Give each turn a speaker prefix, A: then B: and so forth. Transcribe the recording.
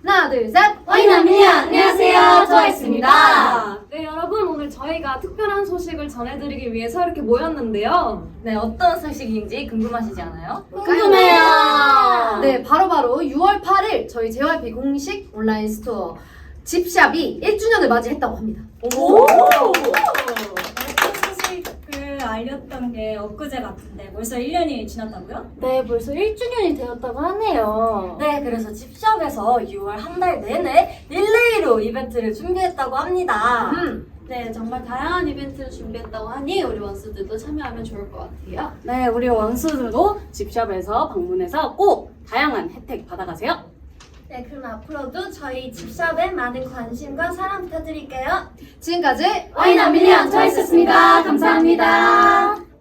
A: 하나, 둘, 셋!
B: 와이나미니 안녕하세요, 트와이스입니다.
C: 네, 여러분 오늘 저희가 특별한 소식을 전해드리기 위해서 이렇게 모였는데요.
B: 네, 어떤 소식인지 궁금하시지 않아요?
A: 궁금해요! 네, 바로바로 6월 8일 저희 JYP 공식 온라인 스토어 집샵이 1주년을 맞이했다고 합니다.
B: 오!
D: 소식을 알렸던 게 엊그제 같은데 벌써 1년이 지났다고요?
C: 네, 벌써 1주년이 되었다고 하네요.
B: 네, 그래서 집샵에서 6월 한 달 내내 릴레이로 이벤트를 준비했다고 합니다.
E: 네, 정말 다양한 이벤트를 준비했다고 하니 우리 원수들도 참여하면 좋을 것 같아요.
F: 네, 우리 원수들도 집샵에서 방문해서 꼭 다양한 혜택 받아가세요.
E: 네, 그럼 앞으로도 저희 집샵에 많은 관심과 사랑 부탁드릴게요.
A: 지금까지
B: 와이나미니 트와이스였습니다. 감사합니다.